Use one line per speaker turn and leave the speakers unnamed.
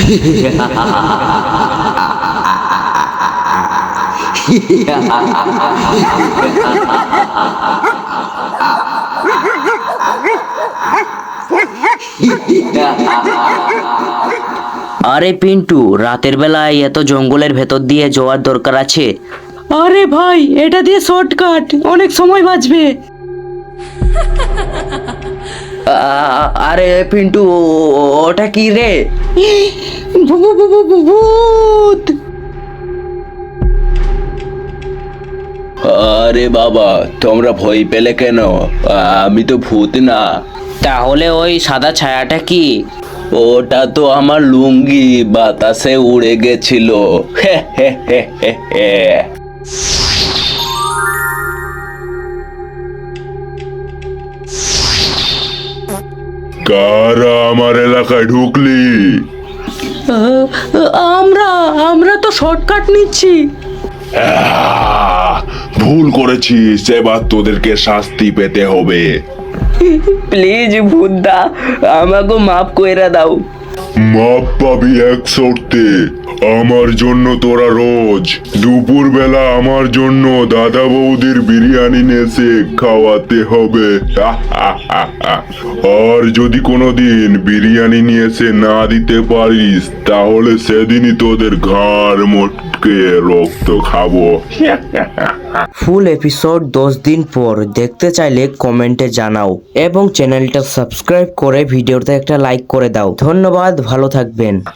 আরে পিন্টু, রাতের বেলায় এত জঙ্গলের ভেতর দিয়ে যাওয়ার দরকার আছে?
আরে ভাই, এটা দিয়ে শর্টকাট, অনেক সময় বাঁচবে।
আরে পিন্টু, ওটা কি রে?
ভূত!
আরে বাবা, তোমরা ভয় পেলে কেন? আমি তো ভূত না।
তাহলে ওই সাদা ছায়াটা কি?
ওটা তো আমার লুঙ্গি বাতাসে উড়ে গেছিল। হে হে হে হে হে।
কারা আমার এলাকায় ঢুকলি?
আমরা আমরা তো শর্টকাট নিচ্ছি।
ভুল করেছিস, এবার তোদেরকে শাস্তি পেতে হবে।
প্লিজ ভূতদা, আমাকে মাফ কইরা দাও।
মাপ পাবি এক শর্তে। আমার জন্য তোরা রোজ দুপুর বেলা আমার জন্য দাদা বৌদির বিরিয়ানি নেসে খাওয়াতে হবে। আর যদি কোনোদিন বিরিয়ানি নিয়ে এসে না দিতে পারিস, তাহলে সেদিনই তোদের ঘাড় মোটকে রক্ত খাবো।
ফুল এপিসোড 10 দিন পর দেখতে চাইলে কমেন্টে জানাও এবং চ্যানেলটা সাবস্ক্রাইব করে ভিডিওতে একটা লাইক করে দাও। ধন্যবাদ, ভালো থাকবেন।